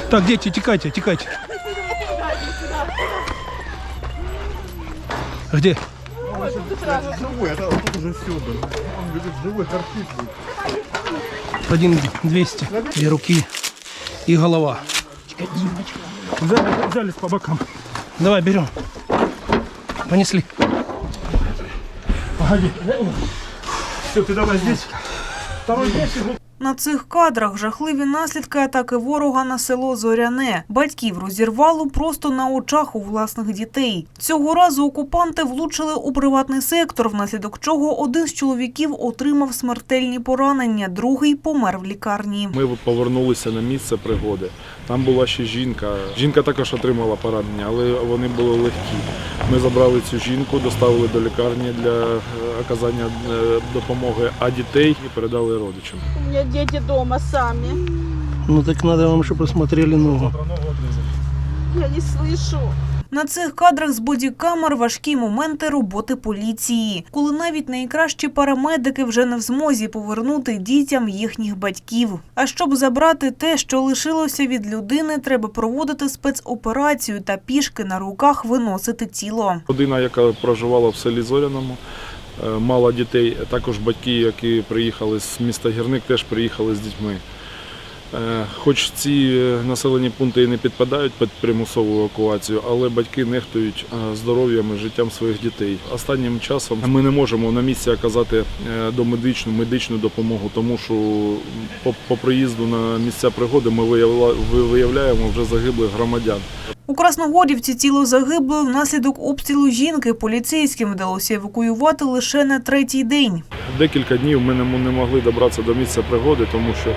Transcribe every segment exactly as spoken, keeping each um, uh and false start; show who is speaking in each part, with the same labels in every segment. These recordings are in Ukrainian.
Speaker 1: Так, дети, текайте, текайте. Где?
Speaker 2: Живой, это тут уже все, блин. Он лежит живой, торчит.
Speaker 1: Один двести. Две руки и голова.
Speaker 2: Взяли, взялись по бокам.
Speaker 1: Давай, берем. Понесли.
Speaker 2: Погоди. Все, ты давай здесь. Второй здесь.
Speaker 3: На цих кадрах жахливі наслідки атаки ворога на село Зоряне. Батьків розірвало просто на очах у власних дітей. Цього разу окупанти влучили у приватний сектор, внаслідок чого один з чоловіків отримав смертельні поранення, другий помер в лікарні.
Speaker 4: Ми повернулися на місце пригоди. Там була ще жінка. Жінка також отримала поранення, але вони були легкі. Ми забрали цю жінку, доставили до лікарні для оказання допомоги, а дітей передали родичам.
Speaker 5: У меня дети дома сами.
Speaker 1: Ну так надо вам, чтобы посмотрели ногу.
Speaker 5: Я не слышу.
Speaker 3: На цих кадрах з бодікамер важкі моменти роботи поліції, коли навіть найкращі парамедики вже не в змозі повернути дітям їхніх батьків. А щоб забрати те, що лишилося від людини, треба проводити спецоперацію та пішки на руках виносити тіло.
Speaker 4: Родина, яка проживала в селі Зоряному, мала дітей, також батьки, які приїхали з міста Гірник, теж приїхали з дітьми. Хоч ці населені пункти і не підпадають під примусову евакуацію, але батьки нехтують здоров'ям і життям своїх дітей. Останнім часом ми не можемо на місці оказати домедичну, медичну допомогу, тому що по, по приїзду на місця пригоди ми виявляємо вже загиблих громадян.
Speaker 3: У Красногорівці тіло загиблої внаслідок обстрілу жінки поліцейським вдалося евакуювати лише на третій день.
Speaker 4: Декілька днів ми не могли добратися до місця пригоди, тому що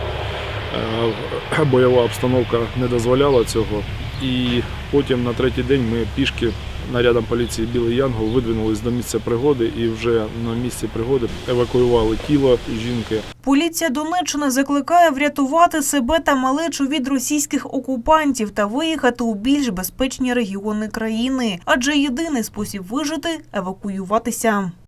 Speaker 4: бойова обстановка не дозволяла цього. І потім на третій день ми пішки нарядом поліції «Білий Янгол» видвинулись до місця пригоди і вже на місці пригоди евакуювали тіло жінки.
Speaker 3: Поліція Донеччини закликає врятувати себе та малечу від російських окупантів та виїхати у більш безпечні регіони країни. Адже єдиний спосіб вижити – евакуюватися.